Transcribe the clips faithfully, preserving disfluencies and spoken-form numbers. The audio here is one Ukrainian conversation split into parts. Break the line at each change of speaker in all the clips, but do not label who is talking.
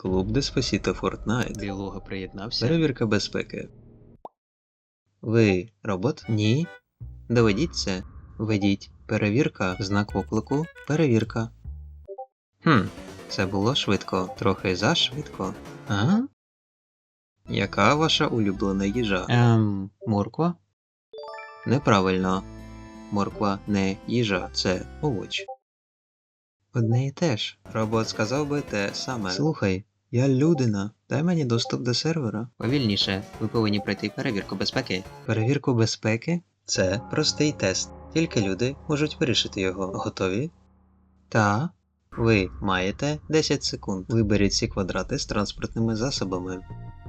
Клуб Деспасіто Фортнайт. Білога приєднався. Перевірка безпеки. Ви робот? Ні. Доведіть це. Ведіть. Перевірка. Знак оклику. Перевірка. Хм, це було швидко. Трохи зашвидко. А? Яка ваша улюблена їжа? Ем, морква? Неправильно. Морква не їжа, це овоч. Одне і те ж. Робот сказав би те саме. Слухай, я людина. Дай мені доступ до сервера. Повільніше. Ви повинні пройти перевірку безпеки. Перевірку безпеки? Це простий тест. Тільки люди можуть вирішити його. Готові? Та. Ви маєте десять секунд. Виберіть ці квадрати з транспортними засобами.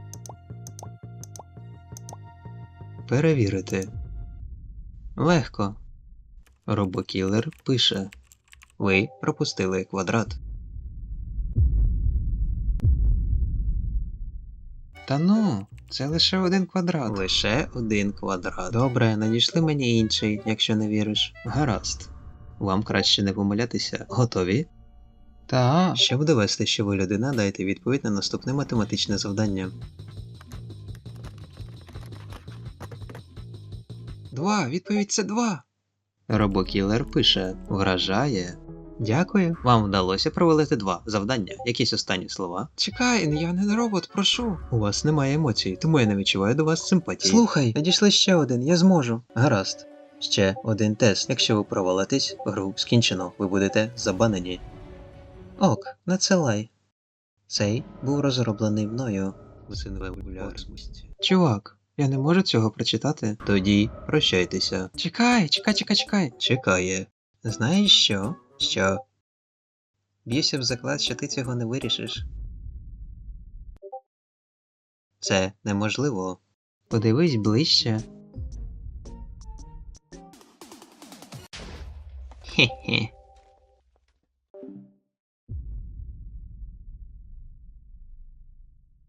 Перевірити. Легко. Робокілер пише. Ви пропустили квадрат. Та ну, це лише один квадрат. Лише один квадрат. Добре, надійшли мені інший, якщо не віриш. Гаразд. Вам краще не помилятися. Готові? Та. Щоб довести, що ви людина, дайте відповідь на наступне математичне завдання. Два. Відповідь це два. Робокілер пише. Вражає. Дякую. Вам вдалося провалити два завдання. Якісь останні слова? Чекай, я не робот, прошу. У вас немає емоцій, тому я не відчуваю до вас симпатії. Слухай, надійшли ще один, я зможу. Гаразд. Ще один тест. Якщо ви провалитесь, гру скінчено. Ви будете забанені. Ок, надсилай. Цей був розроблений мною. Чувак, я не можу цього прочитати. Тоді прощайтеся. Чекай, чекай, чекай, чекай. Чекає. Знаєш що? Що? Б'юся в заклад, що ти цього не вирішиш. Це неможливо. Подивись ближче. Хе-хе.